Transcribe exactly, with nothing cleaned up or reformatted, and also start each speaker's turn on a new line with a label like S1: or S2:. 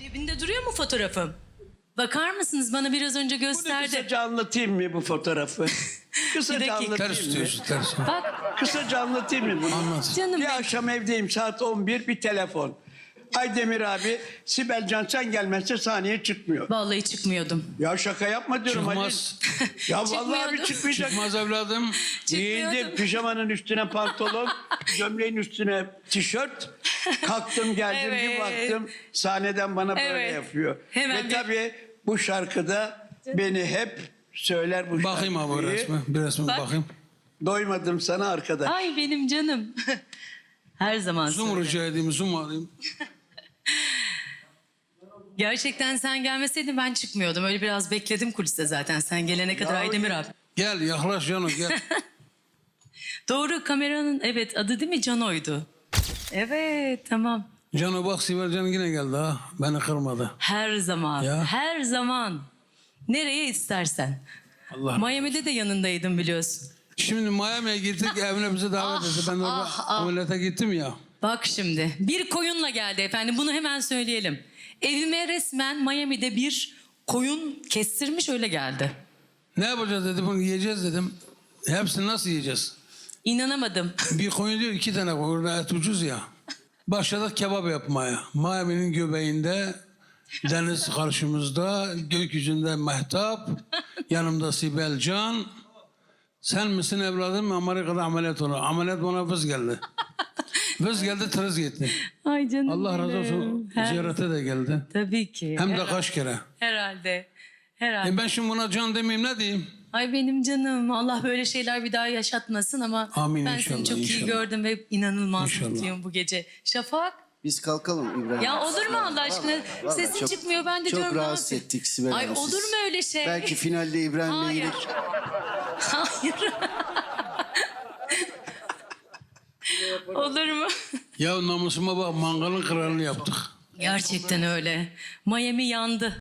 S1: Cebinde duruyor mu fotoğrafım? Bakar mısınız? Bana biraz önce
S2: Bunu
S1: gösterdi.
S2: kısaca anlatayım mı bu fotoğrafı?
S1: Bir
S2: Kısaca
S1: dakika.
S2: anlatayım
S3: Ters
S2: mı?
S3: tutuyorsun ters.
S1: Bak
S2: Kısaca anlatayım mı bunu?
S3: Anlat.
S1: canım
S2: Bir
S1: benim.
S2: akşam evdeyim, saat on bir, bir telefon. Aydemir abi, Sibel Can sen gelmezse sahneye çıkmıyor.
S1: Vallahi çıkmıyordum.
S2: Ya şaka yapma diyorum
S3: Çıkmaz.
S2: Halil. Ya vallahi abi
S1: Çıkmıyordum.
S2: çıkmayacak.
S3: Çıkmaz evladım.
S2: Giyindim,
S1: Çıkmıyordum.
S2: pijamanın üstüne pantolon, gömleğin üstüne tişört. Kalktım geldim bir
S1: Evet.
S2: baktım sahneden bana böyle
S1: Evet.
S2: yapıyor.
S1: Hemen
S2: Ve
S1: bir-
S2: tabii bu şarkıda beni hep söyler bu
S3: Bakayım abi o
S2: şarkıyı.
S3: resme. Bir resme
S1: Bak.
S3: bakayım.
S2: Doymadım sana arkadaş.
S1: Ay benim canım. Her zaman
S3: Zoom
S1: söyle.
S3: rica edeyim, zoom alayım.
S1: Gerçekten sen gelmeseydin ben çıkmıyordum. Öyle biraz bekledim kuliste zaten. Sen gelene kadar Aydemir abi.
S3: Gel yaklaş Cano gel.
S1: Doğru, kameranın evet adı değil mi? Cano'ydu. Evet, tamam.
S3: Cano bak Sibel Can yine geldi ha. Beni kırmadı.
S1: Her zaman.
S3: Ya.
S1: Her zaman. Nereye istersen.
S3: Allah.
S1: Miami'de de yanındaydım biliyorsun.
S3: Şimdi Miami'ye gittik evine bizi davet etti. Ben orada
S1: ah, ah.
S3: ameliyata gittim ya.
S1: Bak şimdi bir koyunla geldi efendim, bunu hemen söyleyelim. Evime resmen Miami'de bir koyun kestirmiş öyle geldi.
S3: Ne yapacağız dedi, bunu yiyeceğiz dedim. Hepsini nasıl yiyeceğiz?
S1: İnanamadım.
S3: Bir koyun diyor iki tane koyun. Orada et ucuz ya. Başladık kebap yapmaya. Miami'nin göbeğinde deniz karşımızda, gökyüzünde mehtap, yanımda Sibel Can. Sen misin evladım? Amerika'da ameliyat olur. Ameliyat bana vız geldi. Vız geldi, tırız gitti.
S1: Ay canım
S3: Allah razı
S1: benim.
S3: olsun.
S1: Her-
S3: Ziyarete de geldi.
S1: Tabii ki.
S3: Hem de
S1: Herhalde.
S3: kaç kere.
S1: Herhalde. Herhalde.
S3: E ben şimdi buna can demeyeyim ne diyeyim?
S1: Ay benim canım. Allah böyle şeyler bir daha yaşatmasın ama
S3: Amin
S1: ben seni
S3: inşallah,
S1: çok iyi
S3: inşallah.
S1: gördüm ve inanılmaz
S3: İnşallah.
S1: mutluyum bu gece. Şafak.
S4: Biz kalkalım İbrahim.
S1: Ya olur mu Allah aşkına?
S4: Vallahi
S1: Sesin
S4: çok-
S1: çıkmıyor, ben de
S4: çok
S1: diyorum ne
S4: rahatsız
S1: yapayım?
S4: ettik Sibel
S1: Ay
S4: Hanım,
S1: olur
S4: siz.
S1: mu öyle şey?
S4: Belki finalde İbrahim'le
S1: Hayır.
S4: gelir.
S1: Hayır. Olur mu?
S3: Ya namusuma bak, mangalın kralını yaptık.
S1: Gerçekten öyle. Miami yandı.